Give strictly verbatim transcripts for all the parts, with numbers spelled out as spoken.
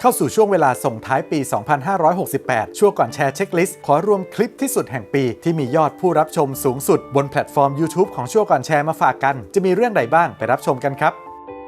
เข้าสู่ช่วงเวลาส่งท้ายปี สองพันห้าร้อยหกสิบแปด ช่วงก่อนแชร์เช็คลิสต์ขอรวมคลิปที่สุดแห่งปีที่มียอดผู้รับชมสูงสุดบนแพลตฟอร์ม YouTube ของช่วงก่อนแชร์มาฝากกันจะมีเรื่องใดบ้างไปรับชมกันครับ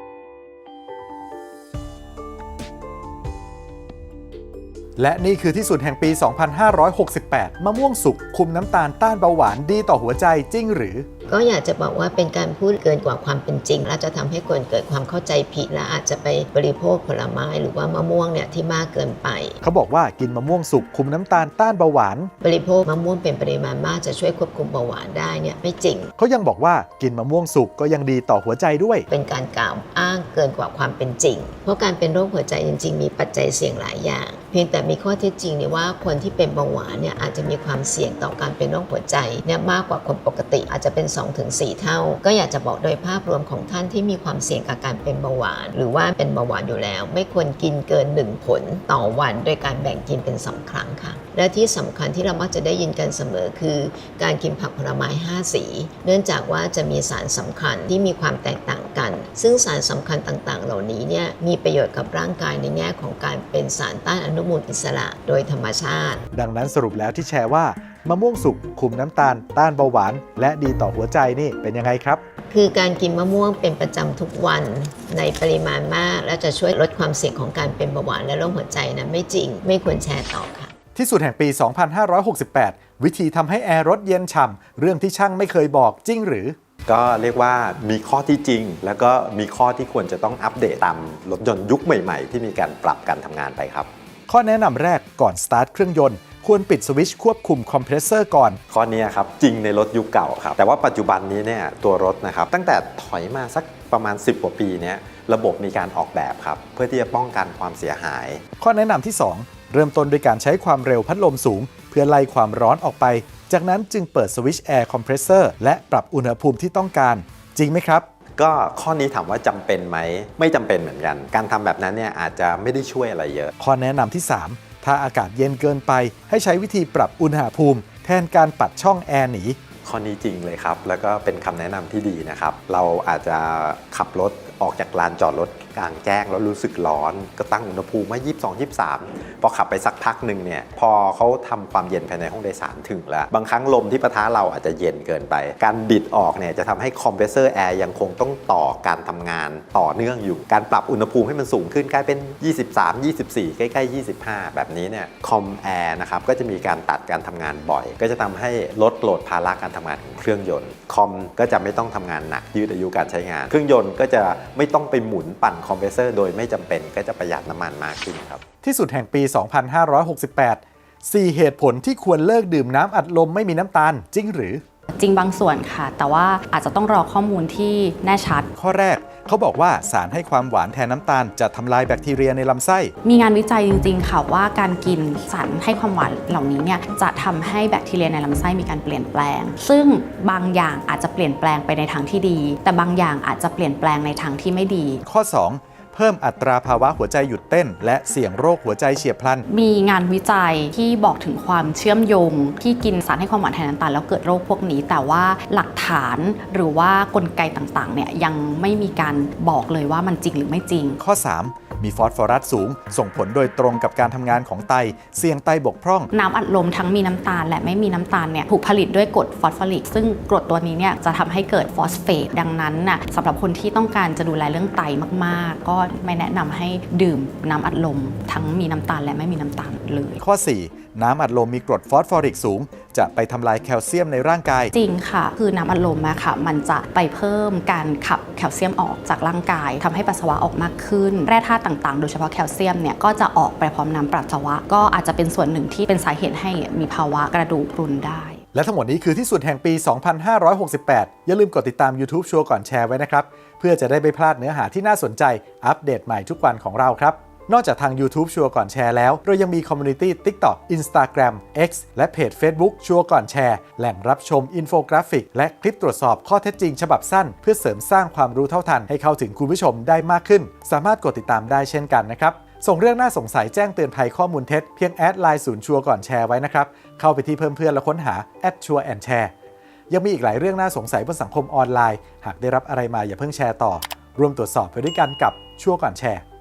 และนี่คือที่สุดแห่งปี สองพันห้าร้อยหกสิบแปด มะม่วงสุกคุมน้ำตาลต้านเบาหวานดีต่อหัวใจจริงหรือก็อยากจะบอกว่าเป็นการพูดเกินกว่าความเป็นจริงและจะทำให้คนเกิดความเข้าใจผิดและอาจจะไปบริโภคผลไม้หรือว่ามะม่วงเนี่ยที่มากเกินไปเขาบอกว่ากินมะม่วงสุกคุมน้ำตาลต้านเบาหวานบริโภคมะม่วงเป็นปริมาณมากจะช่วยควบคุมเบาหวานได้เนี่ยไม่จริงเขายังบอกว่ากินมะม่วงสุกก็ยังดีต่อหัวใจด้วยเป็นการกล่าวอ้างเกินกว่าความเป็นจริงเพราะการเป็นโรคหัวใจจริงๆมีปัจจัยเสี่ยงหลายอย่างเพียงแต่มีข้อเท็จจริงเนี่ยว่าคนที่เป็นเบาหวานเนี่ยอาจจะมีความเสี่ยงต่อการเป็นโรคหัวใจเนี่ยมากกว่าคนปกติอาจจะเป็น สองถึงสี่ เท่าก็อยากจะบอกโดยภาพรวมของท่านที่มีความเสี่ยงกับการเป็นเบาหวานหรือว่าเป็นเบาหวานอยู่แล้วไม่ควรกินเกินหนึ่งผลต่อวันโดยการแบ่งกินเป็นสองครั้งค่ะและที่สำคัญที่เรามักจะได้ยินกันเสมอคือการกินผักผลไม้ห้าสีเนื่องจากว่าจะมีสารสำคัญที่มีความแตกต่างกันซึ่งสารสำคัญต่างๆเหล่านี้เนี่ยมีประโยชน์กับร่างกายในแง่ของการเป็นสารต้านอนุมูลอิสระโดยธรรมชาติดังนั้นสรุปแล้วที่แชร์ว่ามะม่วงสุกคุมน้ำตาลต้านเบาหวานและดีต่อหัวใจนี่เป็นยังไงครับคือการกินมะม่วงเป็นประจำทุกวันในปริมาณมากและจะช่วยลดความเสี่ยงของการเป็นเบาหวานและโรคหัวใจนะไม่จริงไม่ควรแชร์ต่อค่ะที่สุดแห่งปี สองพันห้าร้อยหกสิบแปด วิธีทำให้แอร์รถเย็นฉ่ำเรื่องที่ช่างไม่เคยบอกจริงหรือก็เรียกว่ามีข้อที่จริงแล้วก็มีข้อที่ควรจะต้องอัปเดตตามรถยนต์ยุคใหม่ๆที่มีการปรับการทำงานไปครับข้อแนะนำแรกก่อนสตาร์ทเครื่องยนต์ควรปิดสวิตช์ควบคุมคอมเพรสเซอร์ก่อนข้อนี้ครับจริงในรถยุคเก่าครับแต่ว่าปัจจุบันนี้เนี่ยตัวรถนะครับตั้งแต่ถอยมาสักประมาณสิบกว่าปีนี้ระบบมีการออกแบบครับเพื่อที่จะป้องกันความเสียหายข้อแนะนำที่สองเริ่มต้นด้วยการใช้ความเร็วพัดลมสูงเพื่อไล่ความร้อนออกไปจากนั้นจึงเปิดสวิตช์แอร์คอมเพรสเซอร์และปรับอุณหภูมิที่ต้องการจริงไหมครับก็ข้อนี้ถามว่าจำเป็นไหมไม่จำเป็นเหมือนกันการทำแบบนั้นเนี่ยอาจจะไม่ได้ช่วยอะไรเยอะข้อแนะนำที่สามถ้าอากาศเย็นเกินไปให้ใช้วิธีปรับอุณหภูมิแทนการปัดช่องแอร์หนีข้อนี้จริงเลยครับแล้วก็เป็นคำแนะนำที่ดีนะครับเราอาจจะขับรถออกจากลานจอดรถกลางแจ้งแล้วรู้สึกร้อนก็ตั้งอุณหภูมิไว้ยี่สิบสอง ยี่สิบสามพอขับไปสักพักหนึ่งเนี่ยพอเขาทำความเย็นภายในห้องโดยสารถึงแล้วบางครั้งลมที่ปะทะเราอาจจะเย็นเกินไปการบิดออกเนี่ยจะทำให้คอมเพรสเซอร์แอร์ยังคงต้องต่อการทำงานต่อเนื่องอยู่การปรับอุณหภูมิให้มันสูงขึ้นกลายเป็นยี่สิบสาม ยี่สิบสี่ใกล้ๆยี่สิบห้าแบบนี้เนี่ยคอมแอร์นะครับก็จะมีการตัดการทำงานบ่อยก็จะทำให้ลดโหลดภาระการทำงานของเครื่องยนต์คอมก็จะไม่ต้องทำงานหนักยืดอายุการใช้งานเครื่องยนต์ก็จะไม่ต้องไปหมุนปั่นคอมเพรสเซอร์โดยไม่จำเป็นก็จะประหยัดน้ำมันมากขึ้นครับที่สุดแห่งปี สองพันห้าร้อยหกสิบแปด สี่เหตุผลที่ควรเลิกดื่มน้ำอัดลมไม่มีน้ำตาลจริงหรือจริงบางส่วนค่ะแต่ว่าอาจจะต้องรอข้อมูลที่แน่ชัดข้อแรกเขาบอกว่าสารให้ความหวานแทนน้ำตาลจะทำลายแบคทีเรียในลำไส้มีงานวิจัยจริงๆค่ะว่าการกินสารให้ความหวานเหล่านี้เนี่ยจะทำให้แบคทีเรียในลำไส้มีการเปลี่ยนแปลงซึ่งบางอย่างอาจจะเปลี่ยนแปลงไปในทางที่ดีแต่บางอย่างอาจจะเปลี่ยนแปลงในทางที่ไม่ดีข้อสองเพิ่มอัตราภาวะหัวใจหยุดเต้นและเสี่ยงโรคหัวใจเฉียบพลันมีงานวิจัยที่บอกถึงความเชื่อมโยงที่กินสารให้ความหวานแทนน้ำตาลแล้วเกิดโรคพวกนี้แต่ว่าหลักฐานหรือว่ากลไกต่างๆเนี่ยยังไม่มีการบอกเลยว่ามันจริงหรือไม่จริงข้อสามมีฟอสฟอรัสสูงส่งผลโดยตรงกับการทำงานของไตเสี่ยงไตบกพร่องน้ำอัดลมทั้งมีน้ำตาลและไม่มีน้ำตาลเนี่ยถูกผลิตด้วยกรดฟอสฟอริกซึ่งกรดตัวนี้เนี่ยจะทำให้เกิดฟอสเฟตดังนั้นน่ะสำหรับคนที่ต้องการจะดูแลเรื่องไตมากๆก็ไม่แนะนำให้ดื่มน้ำอัดลมทั้งมีน้ำตาลและไม่มีน้ำตาลเลยข้อสี่น้ำอัดลมมีกรดฟอสฟอริกสูงจะไปทำลายแคลเซียมในร่างกายจริงค่ะคือน้ำอัดลมอะค่ะมันจะไปเพิ่มการขับแคลเซียมออกจากร่างกายทำให้ปัสสาวะออกมากขึ้นแร่ธาตุต่างๆโดยเฉพาะแคลเซียมเนี่ยก็จะออกไปพร้อมน้ำปัสสาวะก็อาจจะเป็นส่วนหนึ่งที่เป็นสาเหตุให้มีภาวะกระดูกพรุนได้และทั้งหมดนี้คือที่สุดแห่งปี สองพันห้าร้อยหกสิบแปด อย่าลืมกดติดตาม YouTube ชัวร์ก่อนแชร์ไว้นะครับเพื่อจะได้ไม่พลาดเนื้อหาที่น่าสนใจอัปเดตใหม่ทุกวันของเราครับนอกจากทาง YouTube ชัวร์ก่อนแชร์แล้วเรายังมีคอมมูนิตี้ TikTok Instagram X และเพจ Facebook ชัวร์ก่อนแชร์แหล่งรับชมอินโฟกราฟิกและคลิปตรวจสอบข้อเท็จจริงฉบับสั้นเพื่อเสริมสร้างความรู้เท่าทันให้เข้าถึงคุณผู้ชมได้มากขึ้นสามารถกดติดตามได้เช่นกันนะครับส่งเรื่องน่าสงสัยแจ้งเตือนภัยข้อมูลเท็จเพียงแอดไลน์ศูนย์ชัวร์ก่อนแชร์ไว้นะครับเข้าไปที่เพิ่มเพื่อนและค้นหาแอดชัวร์แอนด์แชร์ยังมีอีกหลายเรื่องน่าสงสัยบนสังคมออนไลน์หากได้รับอะไรมาอย่าเพิ่งแชร์ต่อร่วมตรวจสอบไปด้วยกันกับชัวร์ก่อนแชร์